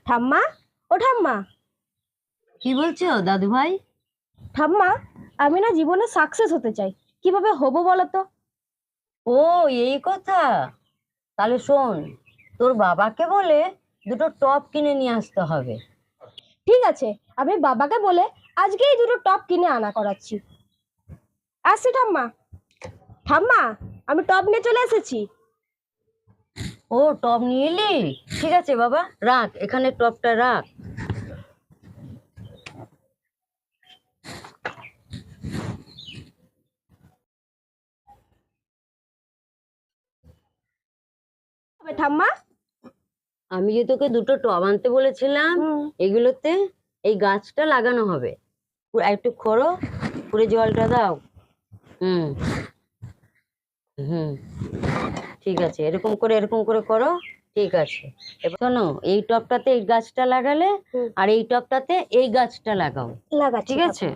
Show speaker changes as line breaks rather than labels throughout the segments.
ঠাম্মা, ও ঠাম্মা।
কি বলছো দাদু ভাই?
ঠাম্মা, আমি না জীবনে সাকসেস হতে চাই, কিভাবে হবো বলো তো?
ও, এই কথা। তাহলে শোন, তোর বাবাকে বলে দুটো টপ কিনে নিয়ে আসতে হবে।
ঠিক আছে, আমি বাবাকে বলে আজকেই দুটো টপ কিনে আনা করাচ্ছি। আসছি ঠাম্মা। ঠাম্মা, আমি টপ নিয়ে চলে এসেছি।
ও, টপ নিয়ে এলি? ঠিক আছে বাবা, রাখ এখানে টপটা রাখ।
ঠাম্মা,
আমি যে তোকে দুটো টব আনতে বলেছিলাম, এগুলোতে এই গাছটা লাগানো হবে। একটু খোঁড়ো, পুরো জলটা দাও। হুম হুম, ঠিক আছে, এরকম করে করো। ঠিক আছে, এবার শোনো, এই টবটাতে এই গাছটা লাগালে আর এই টবটাতে এই গাছটা লাগাও। ঠিক আছে,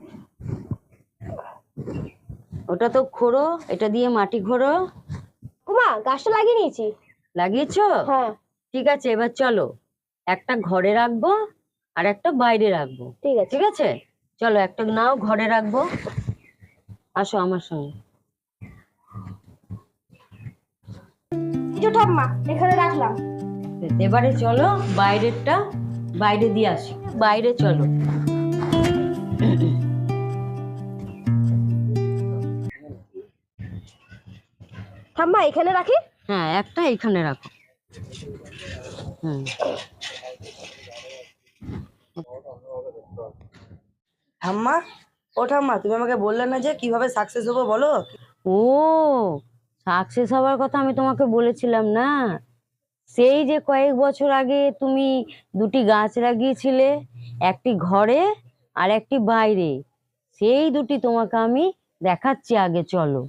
ওটা তো খোঁড়ো, এটা দিয়ে মাটি খোঁড়ো।
উমা, গাছটা লাগিয়ে নিয়েছি।
লাগিয়েছো?
হ্যাঁ।
ঠিক আছে, এবার চলো, একটা ঘরে রাখবো আর একটা বাইরে রাখবো।
ঠিক আছে।
ঠিক আছে, চলো একটা নাও ঘরে রাখবো। আসো আমার সঙ্গে।
এই যে ঠাম্মা, এখানে রাখলাম।
এবারে চলো বাইরেরটা বাইরে দিয়ে আসি। বাইরে চলো।
ঠাম্মা, এখানে রাখি?
হ্যাঁ, একটা এখানে রাখো। হুম।
ঠাম্মা, ও ঠাম্মা, তুমি আমাকে বললে না যে কিভাবে সাকসেস হবো বলো?
ও, সাকসেস হওয়ার কথা আমি তোমাকে বলেছিলাম না? সেই যে কয়েক বছর আগে তুমি দুটি গাছ লাগিয়েছিলে, একটি ঘরে আর একটি বাইরে, সেই দুটি তোমাকে আমি দেখাচ্ছি, আগে চলো।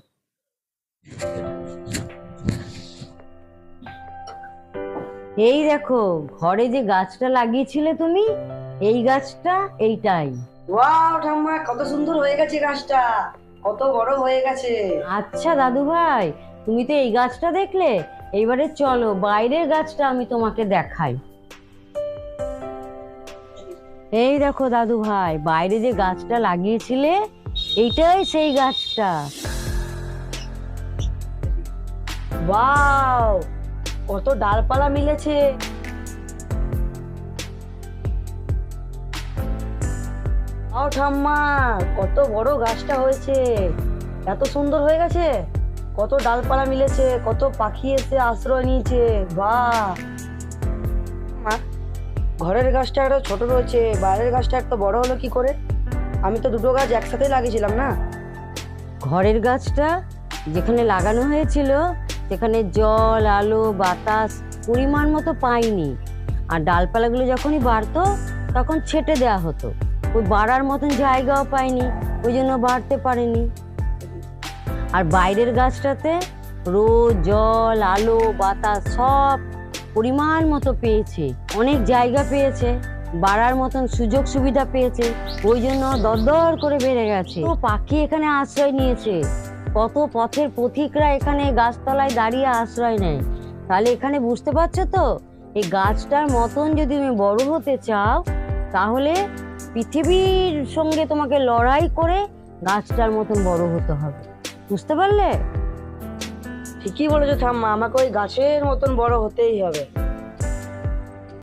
এই দেখো, ঘরে যে গাছটা লাগিয়েছিলে তুমি, এই গাছটা এইটাই।
ওয়াও ঠাম্মা, কত সুন্দর হয়ে গেছে গাছটা, কত বড় হয়ে গেছে।
আচ্ছা দাদু ভাই, তুমি তো এই গাছটা দেখলে, এইবারে চলো বাইরের গাছটা আমি তোমাকে দেখাই। এই দেখো দাদু ভাই, বাইরে যে গাছটা লাগিয়েছিলে, এইটাই সেই গাছটা।
ওয়াও, কত ডালপালা মিলেছে। ও ঠাম্মা, কত বড় গাছটা হয়েছে, এত সুন্দর হয়ে গেছে, কত ডালপালা মিলেছে, কত পাখি এসে আশ্রয় নিয়েছে। বাহ মা, ঘরের গাছটা একটা ছোট রয়েছে, বাইরের গাছটা একটা বড় হলো কি করে? আমি তো দুটো গাছ একসাথে লাগিয়েছিলাম না?
ঘরের গাছটা যেখানে লাগানো হয়েছিল সেখানে জল, আলো, বাতাস পরিমাণ মতো পাইনি, আর ডালপালাগুলো যখনই বাড়তো তখন ছেটে দেওয়া হতো, ওই বাড়ার মতন জায়গাও পাইনি, ওই জন্য বাড়তে পারেনি। আর বাইরের গাছটাতে রোদ, জল, আলো, বাতাস সব পরিমাণ মতো পেয়েছে, অনেক জায়গা পেয়েছে, বাড়ার মতন সুযোগ সুবিধা পেয়েছে, ওই জন্য দরদর করে বেড়ে গেছে। তো পাখি এখানে আশ্রয় নিয়েছে, কত পথের পথিকরা এখানে গাছতলায় দাঁড়িয়ে আশ্রয় নেয়। তাহলে এখানে বুঝতে পারছো তো, এই গাছটার মতন যদি তুমি বড় হতে চাও, তাহলে পৃথিবীর সঙ্গে তোমাকে লড়াই করে গাছটার মতন বড় হতে হবে। বুঝতে পারলে?
ঠিকই বলেছো ঠাম্মা, আমাকে ওই গাছের মতন বড় হতেই হবে।